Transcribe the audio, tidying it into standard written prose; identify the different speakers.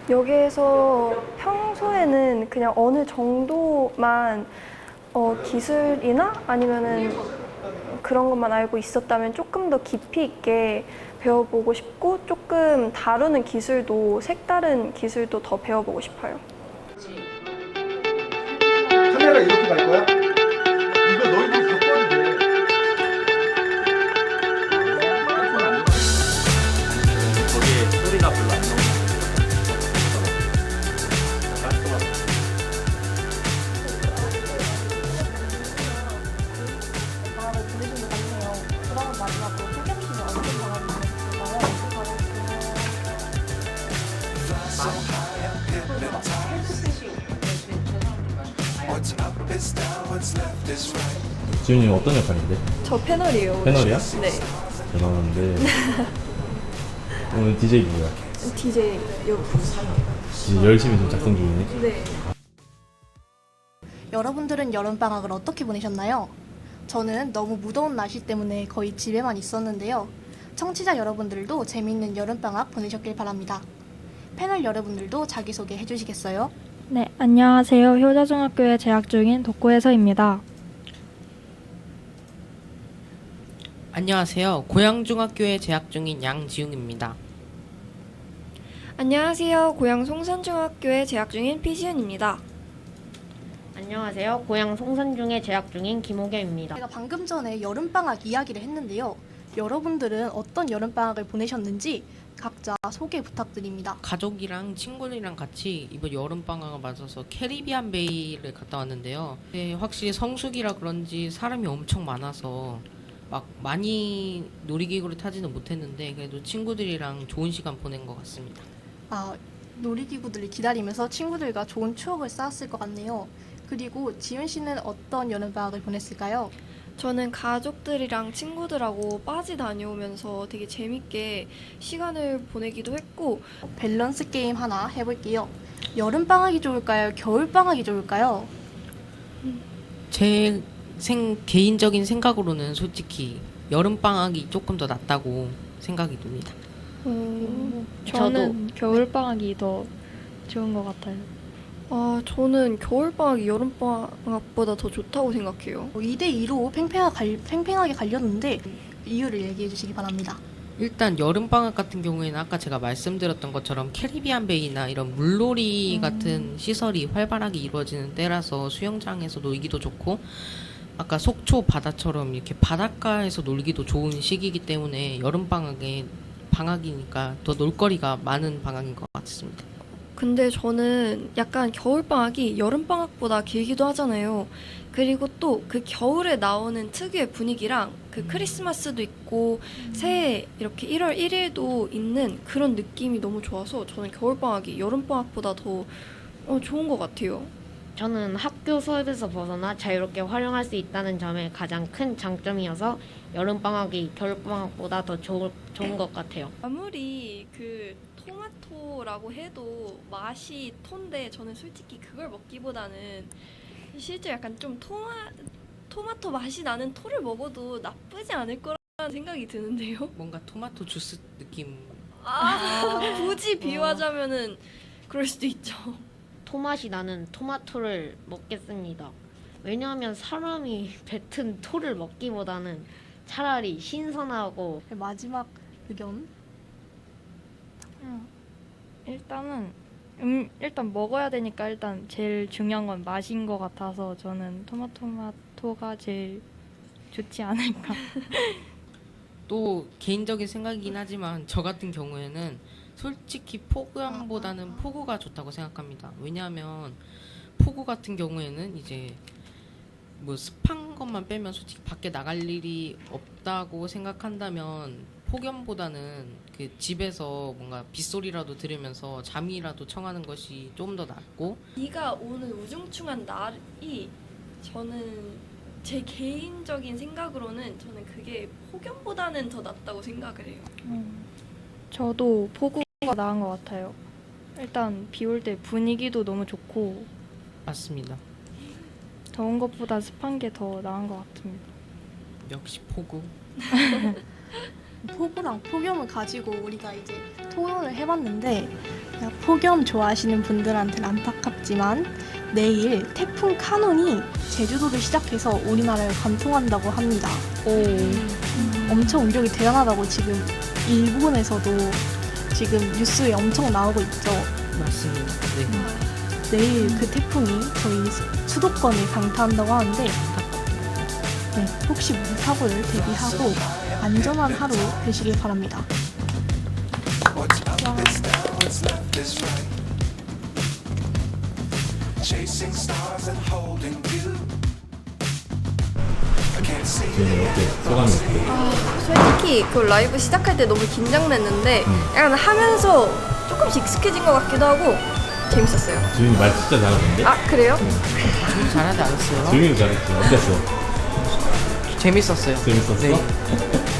Speaker 1: 여기에서 평소에는 그냥 어느 정도만 기술이나 아니면은 그런 것만 알고 있었다면 조금 더 깊이 있게 배워보고 싶고 조금 다루는 기술도 색다른 기술도 더 배워보고 싶어요.
Speaker 2: 카메라 이렇게 갈 거야? 이거 너희들 바꿔도 돼.
Speaker 3: 거기에 소리가 별로 안 나오고
Speaker 4: 지훈이 어떤 역할인데?
Speaker 1: 저 패널이에요.
Speaker 4: 패널이야?
Speaker 1: 네.
Speaker 4: 대단한데 오늘 DJ 누구야?
Speaker 1: DJ 요.
Speaker 4: 열심히 좀 작성 중이네.
Speaker 1: 네.
Speaker 5: 여러분들은 여름방학을 어떻게 보내셨나요? 저는 너무 무더운 날씨 때문에 거의 집에만 있었는데요. 청취자 여러분들도 재미있는 여름방학 보내셨길 바랍니다. 패널 여러분들도 자기소개 해주시겠어요?
Speaker 6: 네, 안녕하세요. 효자중학교에 재학 중인 독고혜서입니다.
Speaker 7: 안녕하세요. 고양중학교에 재학 중인 양지웅입니다.
Speaker 8: 안녕하세요. 고양 송산중학교에 재학 중인 피지은입니다.
Speaker 9: 안녕하세요. 고양 송산중에 재학 중인 김호겸입니다.
Speaker 5: 제가 방금 전에 여름방학 이야기를 했는데요. 여러분들은 어떤 여름방학을 보내셨는지 각자 소개 부탁드립니다.
Speaker 7: 가족이랑 친구들이랑 같이 이번 여름방학을 맞아서 캐리비안 베이를 갔다 왔는데요. 네, 확실히 성수기라 그런지 사람이 엄청 많아서 막 많이 놀이기구를 타지는 못했는데 그래도 친구들이랑 좋은 시간 보낸 것 같습니다.
Speaker 5: 놀이기구들을 기다리면서 친구들과 좋은 추억을 쌓았을 것 같네요. 그리고 지윤 씨는 어떤 여름방학을 보냈을까요?
Speaker 8: 저는 가족들이랑 친구들하고 빠지 다녀오면서 되게 재밌게 시간을 보내기도 했고
Speaker 5: 밸런스 게임 하나 해볼게요. 여름방학이 좋을까요? 겨울방학이 좋을까요?
Speaker 7: 제 개인적인 생각으로는 솔직히 여름방학이 조금 더 낫다고 생각이 듭니다.
Speaker 6: 저는 겨울방학이 더 좋은 것 같아요.
Speaker 8: 저는 겨울방학이 여름방학보다 더 좋다고 생각해요.
Speaker 5: 2대2로 팽팽하게 갈렸는데 이유를 얘기해 주시기 바랍니다.
Speaker 7: 일단 여름방학 같은 경우에는 아까 제가 말씀드렸던 것처럼 캐리비안 베이나 이런 물놀이 같은 시설이 활발하게 이루어지는 때라서 수영장에서 놀기도 좋고 아까 속초 바다처럼 이렇게 바닷가에서 놀기도 좋은 시기이기 때문에 방학이니까 더 놀거리가 많은 방학인 것 같습니다.
Speaker 8: 근데 저는 약간 겨울방학이 여름방학보다 길기도 하잖아요. 그리고 또 그 겨울에 나오는 특유의 분위기랑 그 크리스마스도 있고 새해 이렇게 1월 1일도 있는 그런 느낌이 너무 좋아서 저는 겨울방학이 여름방학보다 더 좋은 것 같아요.
Speaker 9: 저는 학교 수업에서 벗어나 자유롭게 활용할 수 있다는 점에 가장 큰 장점이어서 여름방학이 겨울방학보다 더 좋은 것 같아요.
Speaker 8: 아무리 그 토마토라고 해도 맛이 톤데 저는 솔직히 그걸 먹기보다는 실제 약간 좀 토마토 맛이 나는 토를 먹어도 나쁘지 않을 거라는 생각이 드는데요.
Speaker 7: 뭔가 토마토 주스 느낌.
Speaker 8: 굳이 비유하자면은 그럴 수도 있죠.
Speaker 9: 토맛이 나는 토마토를 먹겠습니다. 왜냐하면 사람이 뱉은 토를 먹기보다는 차라리 신선하고.
Speaker 5: 마지막 의견.
Speaker 6: 일단 먹어야 되니까 일단 제일 중요한 건 맛인 것 같아서 저는 토마토가 제일 좋지 않을까.
Speaker 7: 또 개인적인 생각이긴 하지만 저 같은 경우에는 솔직히 폭우보다는 폭우가 좋다고 생각합니다. 왜냐하면 폭우 같은 경우에는 이제 뭐 습한 것만 빼면 솔직히 밖에 나갈 일이 없다고 생각한다면 폭염보다는 그 집에서 뭔가 빗소리라도 들으면서 잠이라도 청하는 것이 좀 더 낫고
Speaker 8: 비가 오는 우중충한 날이 저는 제 개인적인 생각으로는 저는 그게 폭염보다는 더 낫다고 생각을 해요.
Speaker 6: 저도 폭우가 나은 것 같아요. 일단 비 올 때 분위기도 너무 좋고
Speaker 7: 맞습니다.
Speaker 6: 더운 것보다 습한 게 더 나은 것 같습니다.
Speaker 7: 역시 폭우.
Speaker 5: 폭우랑 폭염을 가지고 우리가 이제 토론을 해봤는데 폭염 좋아하시는 분들한테는 안타깝지만 내일 태풍 카눈이 제주도를 시작해서 우리나라를 관통한다고 합니다. 엄청 위력이 대단하다고 지금 일본에서도 지금 뉴스에 엄청 나오고 있죠.
Speaker 7: 맞습니다. 네.
Speaker 5: 내일 그 태풍이 저희 수도권을 강타한다고 하는데 네, 혹시 무슨 사고를 대비하고 안전한 하루 되시길 바랍니다.
Speaker 4: 지윤이 어때? 소감이 어때?
Speaker 8: 솔직히 그 라이브 시작할 때 너무 긴장됐는데 약간 하면서 조금씩 익숙해진 것 같기도 하고 재밌었어요.
Speaker 4: 지윤이 말 진짜 잘하던데?
Speaker 8: 아 그래요?
Speaker 7: 좀 잘하지 않았어요?
Speaker 4: 지윤이도 잘했지. 어땠어?
Speaker 7: 재밌었어요.
Speaker 4: 재밌었어?
Speaker 7: 네.